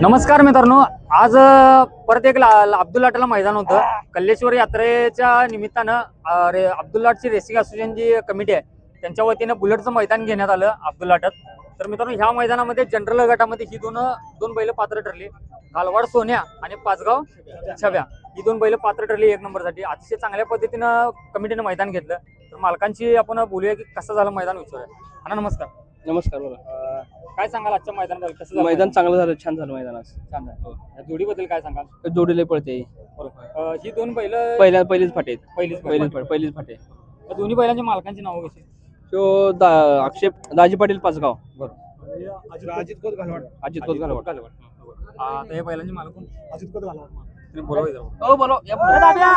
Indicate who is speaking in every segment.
Speaker 1: नमस्कार मित्रांनो, आज परत एक अब्दुल लाटला मैदान होतं. कल्लेश्वर यात्रेच्या निमित्तानं अब्दुल लाटची रेसिंग असोसिएशन जी कमिटी आहे त्यांच्या वतीनं बुलेटचं मैदान घेण्यात आलं अब्दुल लाटात. तर मित्रांनो, ह्या मैदानामध्ये जनरल गटामध्ये ही दोन बैल पात्र ठरली. घालवाड सोन्या आणि पाचगाव छव्या ही दोन बैल पात्र ठरली एक नंबरसाठी. अतिशय चांगल्या पद्धतीनं कमिटीनं मैदान घेतलं. तर मालकांची आपण बोलूया की कसं झालं मैदान विचारूया. अण्णा नमस्कार.
Speaker 2: नमस्कार बोला.
Speaker 1: काय सांगाल आजच्या मैदानाबद्दल? कसं झालं
Speaker 2: मैदान चांगलं झालं, छान झालं मैदान आज.
Speaker 1: छान झालं. या जोडीबद्दल काय सांगाल?
Speaker 2: जोडीला पळते
Speaker 1: ही दोन बैल
Speaker 2: पहिलीच फाटे पहिलीच फाटे.
Speaker 1: या दोन्ही बैलांच्या मालकांची नावं कशी?
Speaker 2: तो अक्षय दाजी पाटील पाचगाव,
Speaker 3: अजित खोत घालवाड.
Speaker 2: अजित खोत घालवाड.
Speaker 1: आता हे बैलांचे मालक कोण?
Speaker 3: अजित खोत घालवाड.
Speaker 1: तुम्ही बोलावं जरा.
Speaker 2: हो बोला या पुढे.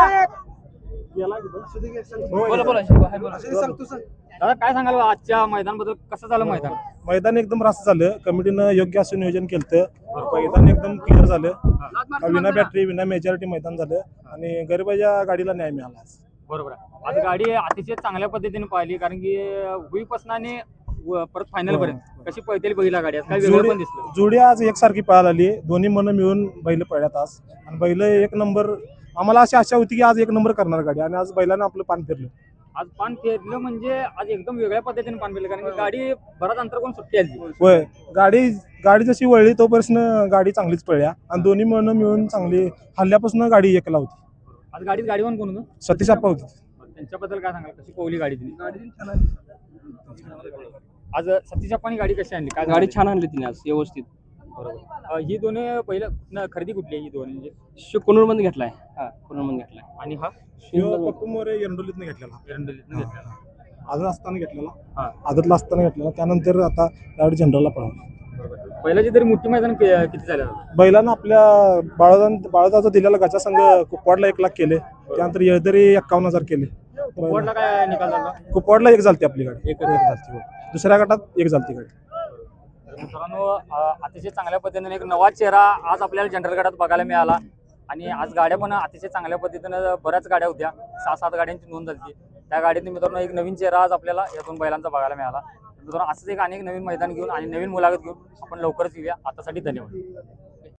Speaker 2: बोला बोला हाय बोला.
Speaker 3: सांगतो सर.
Speaker 1: दादा काय सांगाल आजच्या मैदानाबद्दल? कसं झालं मैदान?
Speaker 3: मैदान एकदम रास्त झालं. कमिटीनं योग्य असं नियोजन केलं. मैदान एकदम क्लिअर झालं. विना बॅटरी विना मेजॉरिटी मैदान झालं आणि गरिबाच्या गाडीला न्याय मिळाला.
Speaker 1: बरोबर आहे. आज गाडी अतिशय चांगल्या पद्धतीने पाहिली, कारण की हुईपासून आणि परत फायनल पर्यंत कशी पळतेली बघितला गाडी. आज काय वेगळं पण दिसलं.
Speaker 3: जोडी आज एकसारखी पळायला आली. दोन्ही मन मिळून बैल पळल्यात आज आणि बैल एक नंबर. आम्हाला अशी आशा होती की आज एक नंबर करणार गाडी आणि आज बैलानं आपलं पान फिरलं.
Speaker 1: आज पान फिरलं म्हणजे आज एकदम वेगळ्या पद्धतीने पान फिरलं, कारण की गाडी बराच अंतर कोण सुट्टी आली.
Speaker 3: होय, गाडी जशी वळली तोपर्यंत गाडी चांगलीच पळल्या आणि दोन्ही मन मिळून चांगली हल्ल्यापासून गाडी एकला होती.
Speaker 1: आज गाडीवर कोण होतं?
Speaker 3: सतीश आप्पा होती.
Speaker 1: त्यांच्याबद्दल काय सांगाल? कशी पोहली गाडी तिने? आज सतीश आप्पांनी गाडी कशी आणली? काय
Speaker 2: गाडी छान आणली तिने आज व्यवस्थित.
Speaker 1: बरोबर. ही दोन पहिलं खरेदी कुठली आहे? ही दोन म्हणजे
Speaker 2: कुनूर मध्ये घेतलाय. कुनूर मध्ये घेतलाय.
Speaker 1: आणि हा
Speaker 3: पप्पू मोरे एरंडोलीतनं घेतलेला.
Speaker 1: एरंडोलीतनं घेतला.
Speaker 3: आदत असताना घेतलेला.
Speaker 1: हा.
Speaker 3: आदतला असताना घेतलेला. त्यानंतर आता डायरेक्ट जनरलला पळाला.
Speaker 1: पहिल्याची तरी मोठी मैदान किती झालं?
Speaker 3: बैलानं आपल्या बाळाचा दिलेला गचा संघ कुपवाडला 1 लाख केले. त्यानंतर येळदरी 51,000 केले.
Speaker 1: कुपवाडला काय निकाल झाला?
Speaker 3: कुपवाडला 1 झालती आपली गाडी.
Speaker 1: एक
Speaker 3: झालती. दुसऱ्या गटात 1 झालती गाडी.
Speaker 1: मित्रांनो, अतिशय चांगल्या पद्धतीने एक नवा चेहरा आज आपल्याला जनरल गटात बघायला मिळाला. आणि आज गाड्या पण अतिशय चांगल्या पद्धतीनं बऱ्याच गाड्या होत्या. 6-7 गाड्यांची नोंद झाली. त्या गाडीत मित्रांनो एक नवीन चेहरा आज आपल्याला या दोन बैलांचा बघायला मिळाला. मित्रांनो, असंच एक अनेक नवीन मैदान घेऊन आणि नवीन मुलाखत घेऊन आपण लवकरच येऊया. आतासाठी धन्यवाद.